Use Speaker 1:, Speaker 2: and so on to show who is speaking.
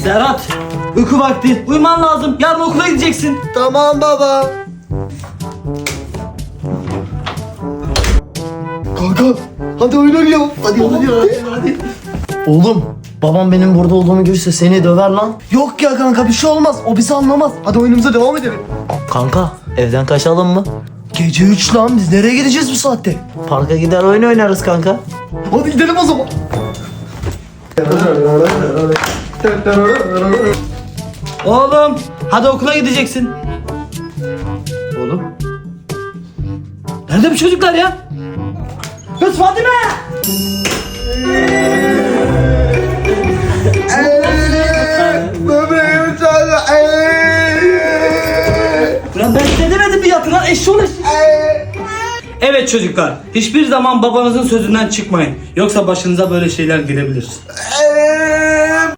Speaker 1: Serhat, uyku vakti. Uyuman lazım. Yarın okula gideceksin.
Speaker 2: Tamam baba. Kanka hadi oyun oynayalım. Hadi hadi.
Speaker 3: Oğlum babam benim burada olduğumu görürse seni döver lan.
Speaker 2: Yok ya kanka bir şey olmaz. O bizi anlamaz. Hadi oyunumuza devam edelim.
Speaker 3: Kanka evden kaçalım mı?
Speaker 2: Gece 3 lan biz nereye gideceğiz bu saatte?
Speaker 3: Parka gider oyun oynarız kanka.
Speaker 2: Hadi gidelim o zaman.
Speaker 1: Oğlum, hadi okula gideceksin.
Speaker 2: Oğlum.
Speaker 1: Nerede bu çocuklar ya? Kız Fadime!
Speaker 2: Bebeğim sana.
Speaker 1: Ulan ben size demedim mi yatın lan eşşoğlu eşşoğlu. Evet çocuklar, hiçbir zaman babanızın sözünden çıkmayın. Yoksa başınıza böyle şeyler gelebilir.